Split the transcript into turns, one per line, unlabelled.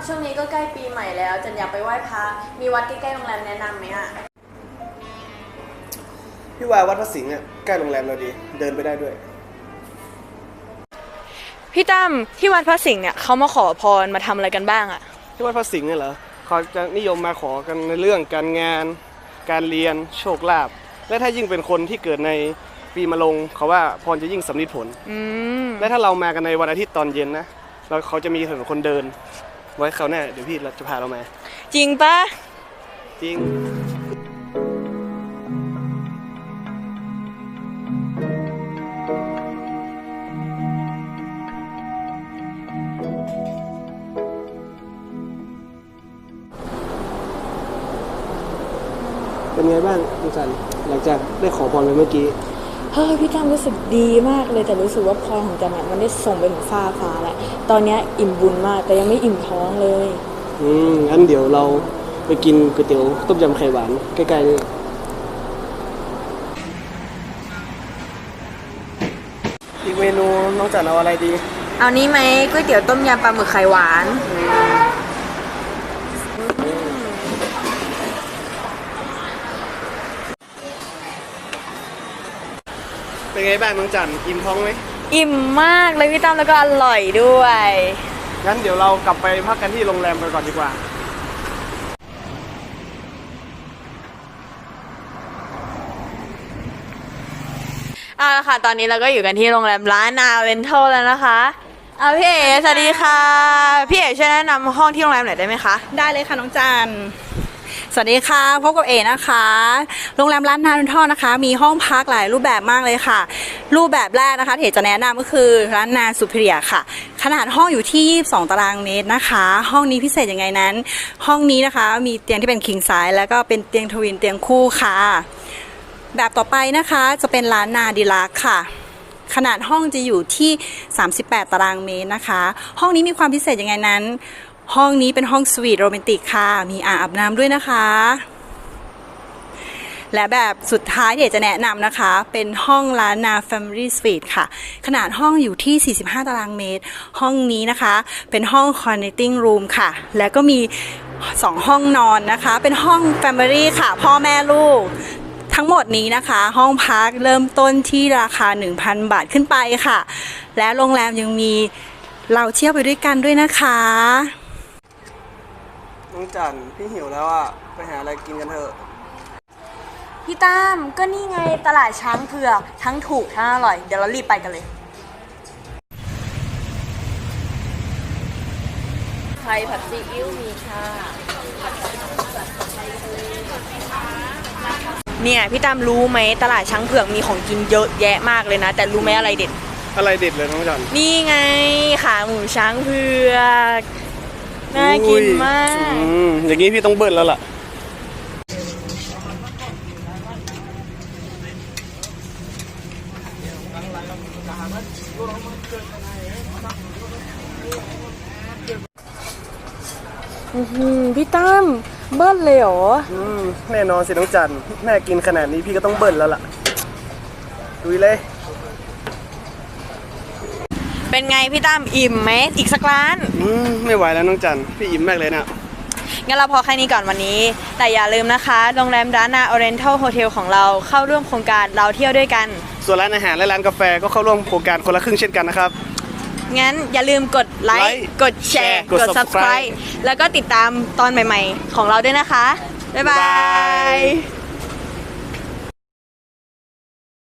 ช่วงนี้ก็ใกล้ปีใหม่แล้วจันอยากไปไหว้พระมีวัดใกล้ๆโรงแรมแนะนำไหมอ่ะ
พี่ว่าวัดพระสิงห์เนี่ยใกล้โรงแรมเราดีเดินไปได้ด้วย
พี่ตั้มที่วัดพระสิงห์เนี่ยเขามาขอพรมาทำอะไรกันบ้างอ่ะ
ที่วัดพระสิงห์เนี่ยเหรอเขาจะนิยมมาขอกันในเรื่องการงานการเรียนโชคลาภและถ้ายิ่งเป็นคนที่เกิดในปีมะโรงเขาว่าพรจะยิ่งสำลิดผลและถ้าเรามากันในวันอาทิตย์ตอนเย็นนะเราเขาจะมีถนนคนเดินไว้เขาแน่เดี๋ยวพี่จะพาเรามา
จริงปะ
จริงเป็นไงบ้างคุณจันหลังจากได้ขอพรไปเมื่อกี้
พี่ตั้มรู้สึกดีมากเลยแต่รู้สึกว่าพรของจันเนี่ยมันได้ส่งไปถึงฟ้าแล้วตอนนี้อิ่มบุญมากแต่ยังไม่อิ่มท้องเลย
งั้นเดี๋ยวเราไปกินก๋วยเตี๋ยวต้มยำไข่หวานใกล้ๆนี่อีกเมนูน้องจันเอาอะไรดี
เอานี้ไหมก๋วยเตี๋ยวต้มยำปลาหมึกไข่หวาน
เป็นไงบ้างน้องจันอิ่มท้องไหม
อิ่มมากเลยพี่ตั้มแล้วก็อร่อยด้วย
งั้นเดี๋ยวเรากลับไปพักกันที่โรงแรมกันก่อนดีกว่า
เอาละค่ะตอนนี้เราก็อยู่กันที่โรงแรมล้านนาเวนทัลแล้วนะคะพี่เอ๋สวัสดีค่ะพี่เอ๋ช่วยแนะนำห้องที่โรงแรมหน่อยได้ไหมคะ
ได้เลยค่ะน้องจันสวัสดีค่ะพบกับเอนะคะโรงแรมล้านนาเวนทัลนะคะมีห้องพักหลายรูปแบบมากเลยค่ะรูปแบบแรกนะคะที่จะแนะนำก็คือล้านนาซูเปอร์ค่ะขนาดห้องอยู่ที่22ตารางเมตรนะคะห้องนี้พิเศษยังไงนั้นห้องนี้นะคะมีเตียงที่เป็นคิงไซส์แล้วก็เป็นเตียงทวินเตียงคู่ค่ะแบบต่อไปนะคะจะเป็นล้านนาดีลักซ์ค่ะขนาดห้องจะอยู่ที่38ตารางเมตรนะคะห้องนี้มีความพิเศษยังไงนั้นห้องนี้เป็นห้องสวีทโรแมนติกค่ะมีอ่างอาบน้ำด้วยนะคะและแบบสุดท้ายที่จะแนะนำนะคะเป็นห้องล้านนา Family Suite ค่ะขนาดห้องอยู่ที่45ตารางเมตรห้องนี้นะคะเป็นห้อง Connecting Room ค่ะและก็มี2ห้องนอนนะคะเป็นห้อง Family ค่ะพ่อแม่ลูกทั้งหมดนี้นะคะห้องพักเริ่มต้นที่ราคา 1,000 บาทขึ้นไปค่ะและโรงแรมยังมีเราเที่ยวไปด้วยกันด้วยนะคะ
น้องจันพี่หิวแล้วอ่ะไปหาอะไรกินกันเถอะ
พี่ตั้มก็นี่ไงตลาดช้างเผือกทั้งถูกทั้งอร่อยเดี๋ยวเรารีบไปกันเลยไข่ผัดซีอิ๊วมีค่ะเนี่ยพี่ตั้มรู้ไหมตลาดช้างเผือกมีของกินเยอะแยะมากเลยนะแต่รู้ไหมอะไรเด็ด
อะไรเด็ดเลยน้องจัน
นี่ไงขาหมูช้างเผือกน่ากินมาก
อย่างนี้พี่ต้องเบิ้ลแล้วล่ะ
พี่ตั้มเบิ้ลเลยเหรอ
แน่นอนสิน้องจันแม่กินขนาดนี้พี่ก็ต้องเบิ้ลแล้วล่ะดูเลย
เป็นไงพี่ตั้มอิ่มไหมอีกสักร้าน
ไม่ไหวแล้วน้องจันพี่อิ่มมากเลยนะ
งั้นเราพอแค่นี้ก่อนวันนี้แต่อย่าลืมนะคะโรงแรมล้านนาออเรนทัลโฮเทลของเราเข้าร่วมโครงการเราเที่ยวด้วยกัน
ส่วนร้านอาหารและร้านกาแฟก็เข้าร่วมโครงการคนละครึ่งเช่นกันนะครับ
งั้นอย่าลืมกดไลค์กดแชร์กด Subscribe แล้วก็ติดตามตอนใหม่ๆของเราด้วยนะคะบ๊ายบาย